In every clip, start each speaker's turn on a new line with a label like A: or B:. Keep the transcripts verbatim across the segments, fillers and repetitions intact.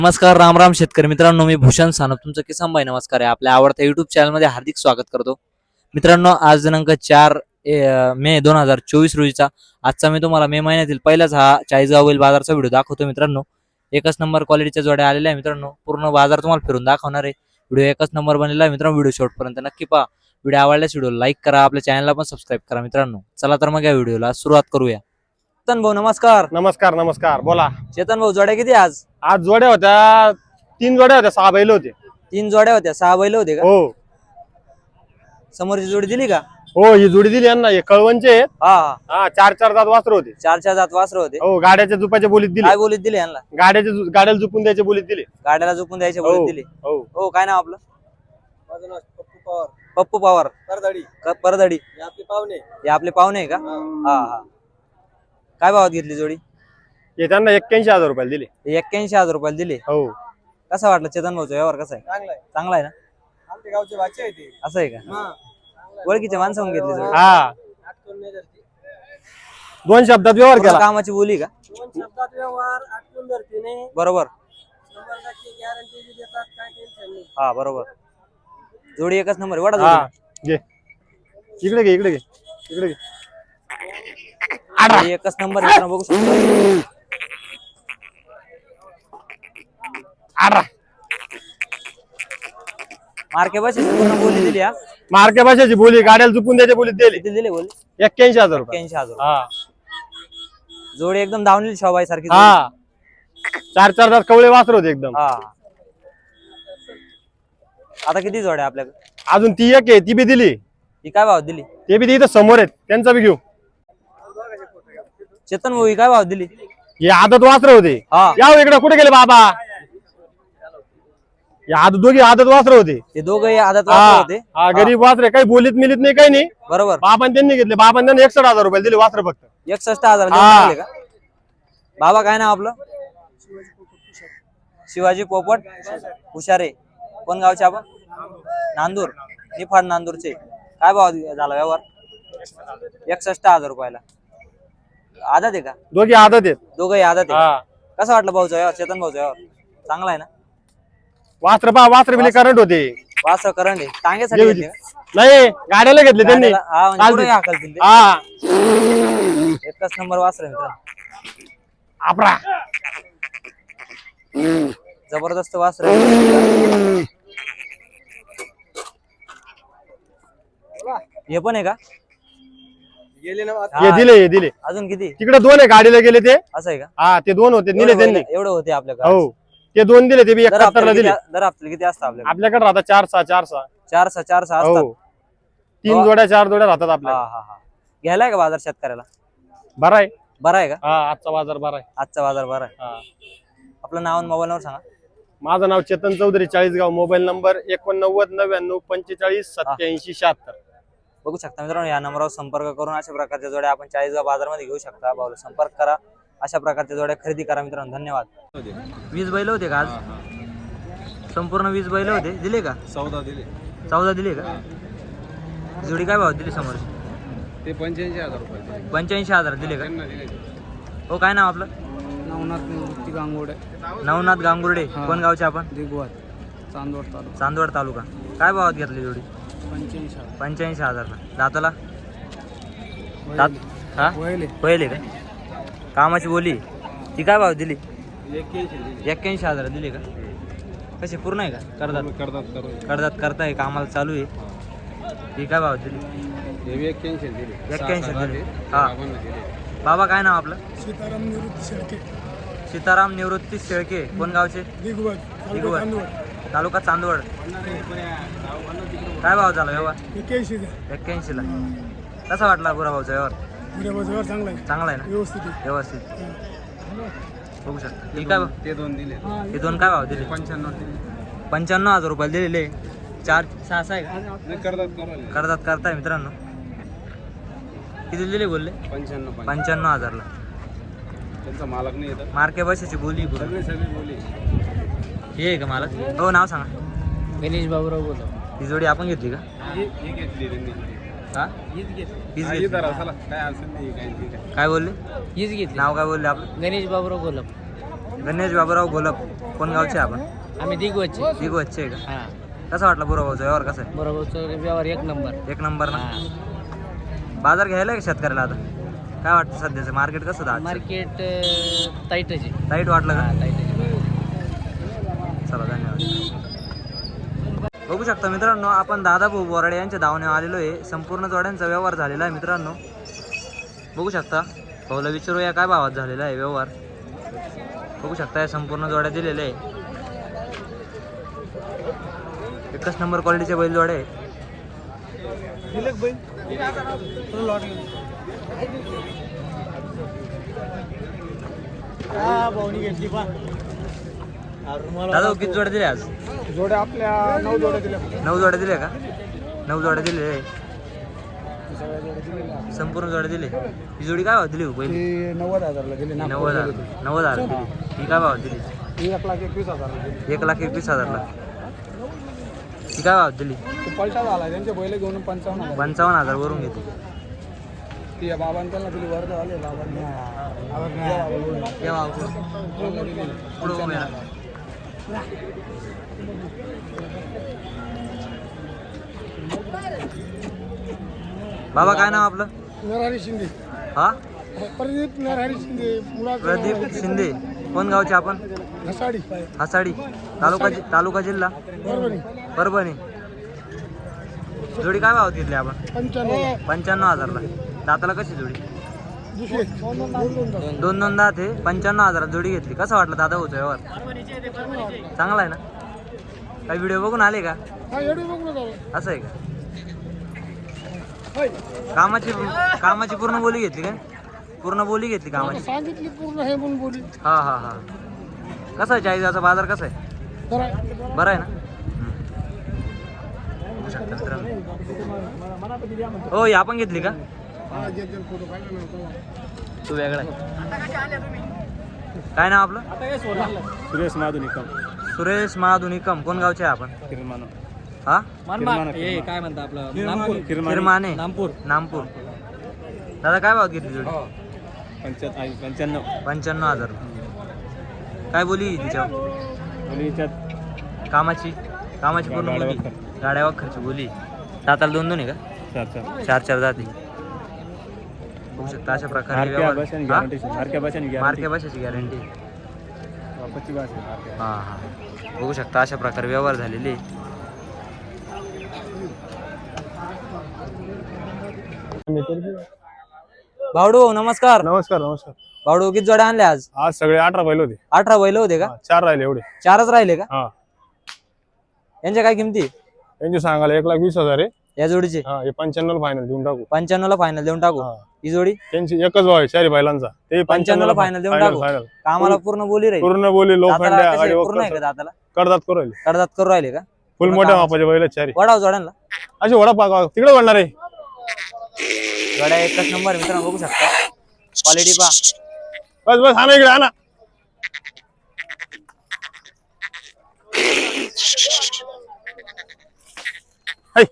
A: नमस्कार राम राम शेतकरी मित्रांनो, मी भूषण सानप तुमचं किसान भाई नमस्कार आहे. आपल्या आवडत्या युट्यूब चॅनलमध्ये हार्दिक स्वागत करतो. मित्रांनो, आज दिनांक चार मे दोन हजार चोवीस रोजीचा आजचा मी तुम्हाला मे महिन्यातील पहिलाच हा चाळीसगावील बाजारचा व्हिडिओ दाखवतो. मित्रांनो, एकच नंबर क्वालिटीच्या जोड्या आलेल्या आहे. मित्रांनो, पूर्ण बाजार तुम्हाला फिरून दाखवणार आहे. व्हिडिओ एकच नंबर बनलेला आहे. मित्रांनो, व्हिडिओ शेवटपर्यंत नक्की पहा. व्हिडिओ आवडल्यास व्हिडिओ लाईक करा, आपल्या चॅनलला पण सबस्क्राईब करा. मित्रांनो, चला तर मग या व्हिडिओला सुरुवात करूया. चेतन भाऊ नमस्कार.
B: नमस्कार नमस्कार बोला.
A: चेतन भाऊ, जोड्या किती आज?
B: आज जोड्या होत्या, तीन जोड्या होत्या, सहा बैल होते.
A: तीन जोड्या होत्या, सहा बैल होते का?
B: हो
A: समोरची जोडी दिली का?
B: हो, ही जोडी दिली यांना. हे कळवणचे आहेत.
A: हा हा.
B: हा, चार चार दात वासर होते.
A: चार चार जात वासर होते.
B: हो, गाड्याच्या जुपाच्या बोलीत दिली.
A: काय बोलीत दिली यांना?
B: गाड्याच्या जु- गाड्याला जुपून द्यायच्या बोलीत दिली.
A: गाड्याला झोपून द्यायचे
B: हो
A: बोलीत दिली.
B: हो.
A: हो, काय नाव आपलं?
C: माझं नाव पप्पू पवार
A: पप्पू पवार
C: करदाडी.
A: क- परदडी.
C: हे आपले पाहुणे.
A: हे आपले पाहुणे आहे का? हा हा. काय भावात घेतली जोडी?
B: हे त्यांना एक्क्याऐंशी हजार रुपयाला दिले.
A: एक्क्याऐंशी हजार रुपयाला दिली.
B: हो.
A: कसा वाटलं चेतन भाऊचा व्यवहार? कसा आहे?
C: चांगला आहे.
A: चांगला आहे ना?
C: आमच्या गावचे भाचे आहे ते.
A: असं आहे का?
C: हा.
A: ओळखीच्या माणसाहून घेतली जोडी?
B: हा,
C: आटकून नाही धरती.
B: दोन शब्दात व्यवहार
A: पूर्ण
B: केला.
A: कामाची बोली का?
C: दोन शब्दात व्यवहार आटकून धरती नाही.
A: बरोबर.
C: शंभर टक्के गॅरंटी बी देतात, काय टेन्शन नाही.
A: हा बरोबर. जोडी एकच नंबर आहे. वडा
B: हा,
A: जोडी.
B: घे इकडे घे इकडे घे इकडे घे.
A: जोडी एकच नंबर आहे. बघू शकतो.
B: आरा,
A: मार्के बस पूर्ण बोली दिली. हा,
B: मार्के भाषेची बोली, गाड्याला जुपून द्यायच्या बोलीत दिली.
A: किती दिली बोली?
B: एक्क्याऐंशी हजार रुपये.
A: एक्क्याऐंशी हजार.
B: हा
A: जोडी एकदम धावलेली शोभाई सारखी.
B: हा, चार चार दात कवळे वासर होते एकदम.
A: हा. आता किती जोड्या आपल्याकडे?
B: अजून ती एक आहे, ती बी दिली.
A: ही काय भाव दिली?
B: ते बी इथं समोर आहेत, त्यांचा बी घेऊ.
A: चेतन भाऊ, ही काय भाव दिली?
B: हे आदत वासर होते.
A: हा,
B: या इकडे, कुठे गेले बाबा? हे आदत, दोघी आदत वासर होते.
A: ते दोघे आदत
B: हा
A: वासर होते.
B: हा, गरीब वासरे, काही बोलीत मिलीत नाही, काही नाही.
A: बरोबर.
B: बाबांनी त्यांनी घेतले. बाबांनी त्यांनी एकसठ हजार रुपये दिले वासर फक्त.
A: एकसष्ट हजार देऊन
B: हा.
A: टाकले का? बाबा काय नाव आपलं? शिवाजी पोपट हुशारे. कोण गावचे आपण? नांदूर. निफाड नांदूरचे. काय भाव झाला व्यवहार? एकसष्ट हजार रुपयाला. आदत आहे का?
B: दोघी आदत आहेत.
A: दोघंही आदत आहे.
B: हा,
A: कसं वाटलं भाऊचा व्यवहार? चेतन भाऊचा व्यवहार चांगला आहे ना?
B: वासर पा वासर बिले करंट होते.
A: वास करंट आहे. टांगेसाठी घेतले का?
B: नाही, गाड्याला घेतले त्यांनी.
A: गाड्याला- हा, म्हणजे
B: चालते.
A: पुढे हाकलतील ते.
B: हा,
A: एकच नंबर वासर आहे मित्रांनो.
B: आपरा.
A: जबरदस्त वासर आहे. हे पण आहे का?
C: गेले ना आता.
B: हे
A: हा.
B: दिले, हे दिले.
A: अजून किती?
B: तिकडे दोन आहे, गाडीला गेले ते.
A: असं आहे का?
B: हा, ते दोन होते, दिले त्यांनी.
A: एवढं होते आपल्याकडे?
B: हो, ते दोन दिले, ते बी
A: दर
B: एकाहत्तर ला
A: हप्त्याला
B: दिले.
A: किती- दर हप्त्याला किती असतं आपल्याकडे?
B: आपल्याकडे राहतात चार सहा चार सहा.
A: चार सहा चार सहा असतात.
B: हो, तीन जोड्या चार जोड्या राहतात
A: हा
B: आपल्या.
A: हा हा. घ्यायलाय का बाजार शेतकऱ्याला?
B: बरा आहे.
A: बरा आहे का?
B: हा, आजचा बाजार बरा आहे.
A: आजचा बाजार बरा आहे.
B: हा.
A: आपलं नाव आणि मोबाईल नंबर सांगा.
B: माझं नाव चेतन चौधरी, चाळीसगाव. मोबाईल नंबर एकोणनव्वद नव्याण्णव पंचेचाळीस सत्याऐंशी शहात्तर.
A: बघू शकता मित्रांनो, या नंबरवर संपर्क करून अशा प्रकारच्या जोड्या आपण चाळीसगाव बाजारमध्ये घेऊ शकता. भाऊला संपर्क करा, अशा प्रकारच्या जोड्या खरेदी करा मित्रांनो. धन्यवाद. वीस बैल होते का आज? संपूर्ण वीस बैल होते. दिले का?
C: चौदा दिले.
A: चौदा दिले का? जोडी काय भाव दिली समोर?
C: ते पंच्याऐंशी हजार रुपये
A: पंच्याऐंशी हजार दिले का?
C: दिले.
A: हो, काय नाव आपलं?
C: नवनाथ निवृत्ती गांगोडे.
A: नवनाथ गांगुर्डे. कोण गावचे आपण?
C: दिगवत चांदवड तालुका.
A: चांदवड तालुका. काय भावात घेतली जोडी?
C: पंच्याऐंशी हजार.
A: पंच्याऐंशी हजारला. दाताला? दात हा
C: वहिले
A: पहिले का? कामाची बोली ती काय भाव दिली?
C: एक्क्याऐंशी दिले.
A: एक्क्याऐंशी हजार दिली का? कशी पूर्ण आहे का? करदात
C: करतात करून.
A: करदात करताय, कामाला चालू आहे. ती काय भाव दिली?
C: हे बी एक्क्याऐंशी दिले.
A: एक्क्याऐंशी दिली. हा. बाबा काय नाव आपलं?
C: सीताराम निवृत्ती शेळके.
A: सीताराम निवृत्ती शेळके. कोण गावचे?
C: दिगवत
A: दिगवत. तालुका चांदवड. काय भाव झाला व्यवहार?
C: एक्क्याऐंशी
A: एक्क्याऐंशी ला. कसा वाटला बुरा भाऊचा व्यवहार?
C: व्यवहार चांगला आहे,
A: चांगला आहे ना?
C: व्यवस्थित आहे.
A: व्यवस्थित. बघू शकता. हे काय भाव?
C: ते दोन दिले.
A: हे दोन काय भाव दिले?
C: पंच्याण्णव दिले.
A: पंच्याण्णव हजार रुपये दिलेले. चार सहा सहा आहे का?
C: नाही करतात करून.
A: करतात करताय मित्रांनो. किती दिले बोलले?
C: पंच्याण्णव
A: पंच्याण्णव हजारला.
C: त्यांचा मालक नाही येतात.
A: मार्के बसायची बोली पूर्ण.
C: सगळे सगळे बोली.
A: हे आहे का मालक? हो, नाव सांगा.
C: गणेश बाबूराव बोलतो.
A: ही जोडी आपण घेतली का?
C: ही ही घेतली त्यांनी.
A: हा,
C: हीच घेतली.
A: हीच
C: हा,
A: घेतली.
C: ही धरा, चला. काय असेल ते काय ते काय.
A: काय बोलले?
C: हीच घेतली.
A: नाव काय बोलले आपलं?
C: गणेश बाबूराव गोलप.
A: गणेश बाबूराव गोलप. कोण गावचे आपण?
C: आम्ही दिगवचे.
A: दिगवचे का?
C: हा
A: कसा वाटला बुराभाऊचा व्यवहार कसा आहे?
C: बरोबर व्यवहार एक नंबर.
A: एक नंबर ना. बाजार घ्यायला का शेतकऱ्याला आता? काय वाटतं सध्याचं मार्केट कसं होतं?
C: मार्केट टाईटच आहे.
A: टाईट वाटलं का?
C: टाईटच.
A: चला धन्यवाद. बघू शकता मित्रांनो, आपण दादा भाऊ बोराडे यांच्या धावण्यावर आलेलो आहे. संपूर्ण जोड्यांचा व्यवहार झालेला आहे मित्रांनो. बघू शकता. भाऊला विचारूया काय भावात झालेला आहे व्यवहार. बघू शकता या संपूर्ण जोड्या दिलेल्या आहे. एकच नंबर क्वालिटीचे बैल जोड्या आहे. दादा किती जोड्या दिल्या आज?
B: जोड्या आपल्या नऊ जोड्या दिल्या.
A: नऊ जोड्या दिल्या का? नऊ जोड्या दिले आहे. संपूर्ण जोड्या दिले. ही जोडी काय भाव दिली हो पहिली?
B: नव्वद हजारला दिली.
A: नव्वद हजार नव्वद हजार दिली. ही काय भाव दिली?
B: एक लाख एकवीस हजार
A: एक लाख एकवीस हजारला. ही काय भाव दिली?
B: पैसा झाला त्यांचे बैल घेऊन पंचावन्न हजार.
A: पंचावन्न हजार वरून घेते.
B: ती बाबांना दिली वर्ध आले बाबांना.
A: या भाव पुढं उभे राहा. बाबा काय नाव आपलं?
B: नरहरी शिंदे.
A: हा
B: प्रदीप नरहरी शिंदे.
A: प्रदीप शिंदे. कोण गावचे आपण?
B: घसाडी.
A: हासाडी. तालुका जि- तालुका जिल्हा
B: परभणी.
A: परभणी. जोडी काय भावात घेतली आपण?
B: पंच्याण्णव.
A: पंच्याण्णव हजारला. दाताला कशी जोडी?
B: दुसरे
A: दोन दोन दात आहे. पंच्याण्णव हजारात जोडी घेतली. कसं वाटलं दादा होतं व्यवहार? चांगला आहे ना? काही व्हिडिओ बघून आले का? असं आहे का? कामाची कामाची पूर्ण बोली घेतली काय? पूर्ण बोली घेतली कामाची?
B: सांगितली पूर्ण हे म्हणून बोली.
A: हा हा हा. कसा आहे चाळीसाचा बाजार कसा आहे? बरं आहे ना? बघू शकता मित्रांनो. हो ही आपण घेतली का? तू वेगळा आहे. काय नाव आपलं?
B: सुरेश महादुनिकम.
A: सुरेश महादुनिकम. कोण गावचे आहे आपण?
B: किरमानो.
A: हा
C: काय म्हणता आपलं नामपूर.
A: किरमाने.
C: नामपूर.
A: नामपूर. दादा काय भावात घेतली जोडी?
B: पंच्याण्णव.
A: पंच्याण्णव हजार. काय बोली तिच्यावर? कामाची कामाची पूर्ण बोली. गाड्या वखरची बोली. दाताला दोन दोन आहे का? चार चार जाती. बघू शकता अशा प्रकारे व्यवहार. हा? मार्के भाषेची गॅरंटी. हा हा. बघू शकता अशा प्रकारे व्यवहार झालेले. भावडू नमस्कार.
B: नमस्कार नमस्कार.
A: भावडू किती जोड्या आणल्या आज?
B: आज सगळे अठरा बैल होते.
A: अठरा बैल होते का?
B: चार राहिले एवढे.
A: चारच राहिले का?
B: हा.
A: यांच्या काय किमती?
B: यांची सांगायला एक लाख वीस हजार आहे.
A: या जोडीचे
B: हा हे पंच्याण्णव फायनल देऊन टाकू.
A: पंच्याण्णव ला फायनल देऊन टाकू.
B: हा.
A: ही जोडी
B: त्यांची एकच भाव आहे चारी बैलांचा. ते
A: पंच्याण्णव ला फायनल देऊन टाकू.
B: फायनल.
A: कामाला पूर्ण बोली राहील.
B: पूर्ण बोली लो
A: दाताला
B: फंड्या
A: कसे
B: गाडी
A: पूर्ण आहे का? दाताला
B: करतात करू राहिले.
A: कडदात करू राहिले का?
B: फुल मोठ्या मापाचे बैल आहेत चारी.
A: वडाव जोड्यांना
B: अशी वडा पाक तिकडे वळणार आहे.
A: जोड्या एकच नंबर मित्रांनो. बघू शकता क्वालिटी पा.
B: बस बस हा ना इकडे हा ना. हाय.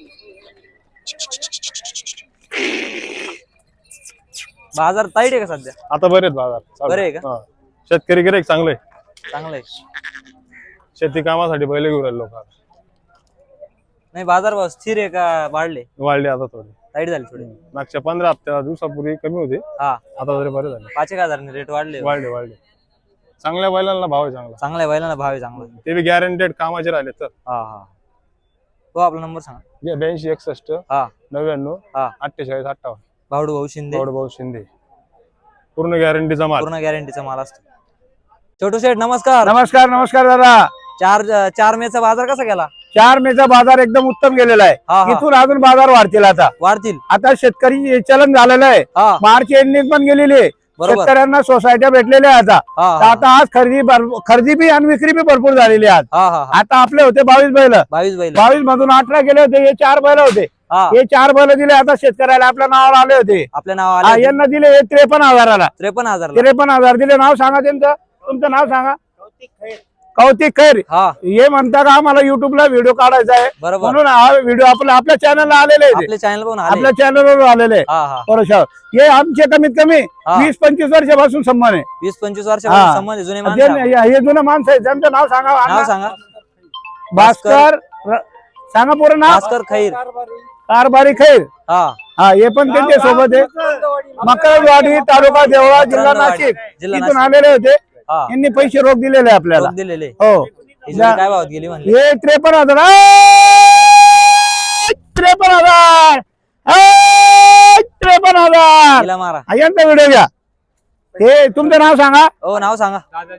A: बाजार ताईट आहे का सध्या?
B: आता बरे आहेत बाजार चालू.
A: बरे आहे का?
B: हा. शेतकरी गिऱ्हाईक चांगले.
A: चांगलं आहे.
B: शेती कामासाठी बैल घेऊन राहिले लोक.
A: नाही बाजार भाव स्थिर आहे का वाढले?
B: वाढले आता थोडे.
A: ताईट झाली थोडी.
B: मागच्या पंधरा हप्त्या दिवसापूर्वी कमी होते.
A: हा
B: आता तरी बरे झाले.
A: पाच एक हजारांनी रेट वाढले.
B: वाढले वाढले. चांगल्या बैलांना भाव आहे चांगला.
A: चांगल्या बैलांना भाव आहे चांगला.
B: ते बी गॅरंटेड कामाचे राहिले तर.
A: हा हा. तो आपला नंबर सांगा.
B: ब्याऐंशी एकसष्ट
A: हा
B: नव्याण्णव
A: हा.
B: अठ्ठेचाळीस अठ्ठावन्न.
A: भावडू भाऊ शिंदे.
B: भाऊ शिंदे. पूर्ण गॅरंटीचा माल.
A: पूर्ण गॅरंटीचा माल असतो. छोटू शेठ नमस्कार.
D: नमस्कार नमस्कार दादा.
A: चार चार मेचा बाजार कसा गेला?
D: चार मेचा बाजार एकदम उत्तम गेलेला
A: हा,
D: आहे.
A: हा.
D: इथून अजून बाजार वाढतील. आता
A: वाढतील.
D: आता शेतकरी चलन झालेलं आहे.
A: हा
D: मार्च एंडिंग पण गेलेली आहे.
A: बरोबर.
D: शेतकऱ्यांना सोसायट्या भेटलेल्या आहे आता.
A: हा
D: तर
A: हा
D: आता आज खरेदी भर- खरेदी बी आणि विक्री बी भरपूर झालेली आहे आज.
A: हा हा.
D: आता आपले होते बावीस बैल.
A: बावीस बैल.
D: बावीस मधून अठरा गेले होते. हे चार बैल होते.
A: हा
D: हे चार बैल दिले आता शेतकऱ्याला आपल्या नावावर आले होते.
A: आपल्या नाव
D: हा,
A: आले
D: यांना दिले हे त्रेपन्न हजाराला.
A: त्रेपन्न हजार.
D: त्रेपन्न हजार दिले. नाव सांगा त्यांचं. तुमचं नाव सांगा. कौतिक खैर
A: हा
D: हे म्हणता का आम्हाला युट्यूबला व्हिडिओ काढायचा आहे
A: बरोबर
D: म्हणून हा व्हिडिओ आपल्या आपल्या चॅनलला आलेले आहे ते.
A: आपल्या चॅनल पण आले
D: आपल्या चॅनलवर आलेले आहे.
A: हा हा
D: बरोबर हे आमचे कमीत कमी
A: हा.
D: वीस पंचवीस वर्षापासून संबंध आहे
A: वीस पंचवीस
D: हा.
A: वर्षापासून संबंध आहे, जुने
D: जे-
A: माणसं
D: हे हे जुनं माणसं आहे त्यांचं नाव सांगा
A: नाव
D: अण्णा.
A: सांगा
D: भास्कर र- सांगा पूर्ण नाव
A: भास्कर खैर
D: कारभारी खैर
A: हा
D: हा हे पण त्यांच्या सोबत आहे मकरवाडी तालुका देवळा जिल्हा
A: मकरंदवाडी,
D: नाशिक
A: जिल्हा
D: इथून
A: नाशिक.
D: आलेले होते
A: हा
D: यांनी पैसे रोख दिलेले आहे आपल्याला
A: रोख दिलेले
D: हो
A: ही जोडी काय भावात गेली म्हणले
D: हे त्रेपन्न हजार ए! त्रेपन्न हजार ए! त्रेपन्न हजार
A: तिला मारा
D: हा, यांचा व्हिडिओ घ्या हे तुमचं नाव सांगा
A: हो नाव सांगा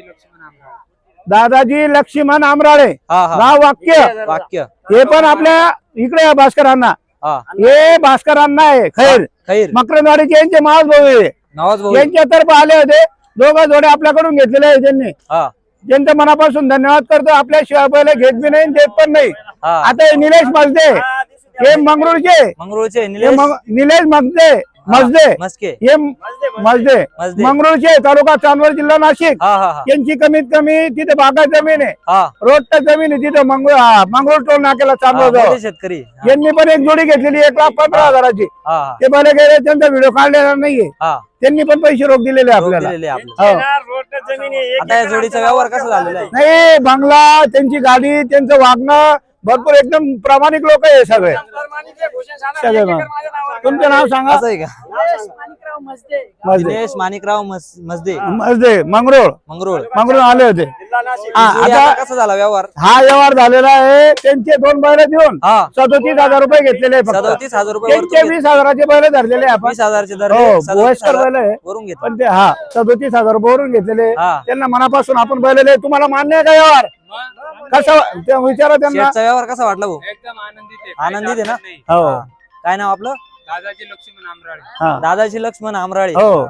D: दादाजी लक्ष्मण आमराळे
A: हा हा
D: नाव वाक्य
A: वाक्य
D: हे पण आपल्या इकडे आहे भास्करांना
A: हा
D: हे भास्करांना आहे खैर
A: खैर
D: मकरंदवाडीचे यांचे मावस भाऊ आहे
A: नवाज भाऊ
D: यांच्या तर्फे आले होते दोघं जोडे आपल्याकडून घेतलेले आहे त्यांनी
A: हा
D: त्यांचं मनापासून धन्यवाद करतो आपल्याशिवाय पहिले घेत बी नाही देत पण नाही
A: हा
D: आता हे निलेश मजदे हे मंगरूळचे
A: मंगरुळचे
D: हे
A: निलेश
D: मग- निलेश मजदे मजदे
A: मस्के
D: हे मजदे
A: मजदे.
D: मंगरूळचे तालुका चांदवड जिल्हा नाशिक
A: हा हा हा
D: यांची कमीत कमी तिथे बागा जमीन आहे
A: हा
D: रोडच्या जमीन आहे तिथे मंगरूळ हा, मंगरूळ टोल नाक्याला
A: हा,
D: चांदवड
A: मोठे
D: जवळ.
A: शेतकरी हा
D: यांनी पण एक जोडी घेतलेली एक लाख पंधरा हजाराची
A: हा हा
D: ते भले गेले त्यांचा व्हिडिओ काढलेला नाहीये
A: हा
D: त्यांनी पण पैसे रोख दिलेले
A: रोख
D: आपल्याला
A: दिलेले आपले
D: हो.
A: आता या जोडीचा व्यवहार कसा झालेला आहे
D: नाही बंगला त्यांची गाडी त्यांचं वागणं भरपूर एकदम प्रामाणिक लोक आहे सगळे सगळे मग. तुमचं नाव सांगा
A: असं आहे का
C: माणिकराव मजदे
D: मजदे
A: दिनेश माणिकराव मस- मजदे
D: मजदे मंगरूळ
A: मंगरुळ
D: मंगरूळ आले होते हा,
A: जोडी
D: आता
A: आता कसा झाला व्यवहार
D: हा व्यवहार झालेला आहे त्यांचे दोन बैल देऊन
A: हा
D: सदोतीस हजार रुपये घेतलेले आहे फक्त
A: सदोतीस हजार रुपये
D: त्यांचे
A: वरतून
D: वीस हजाराचे बैल धरलेले आहे आपण
A: वीस हजारचे दर
D: हो
A: सदोतीस
D: वयस्कर
A: हजार
D: बैल आहे
A: वरून घेतला
D: पण ते हा सदोतीस हजार रुपये वरून घेतलेले
A: हा
D: त्यांना मनापासून आपण बैल दिले. तुम्हाला मान्य आहे का व्यवहार कसं ते विचारा त्यांना
A: शेठचा व्यवहार कसा वाटला भाऊ
E: एकदम आनंदित आहे
A: आनंदित आहे ना
D: हो
A: हा. काय नाव आपलं
E: दादाजी लक्ष्मण आमराळे
D: हा
A: दादाजी लक्ष्मण आमराळे
D: हो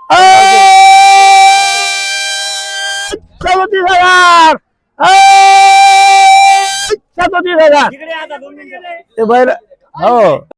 D: सदोतीस हजार सदोतीस हजार ते बैल हो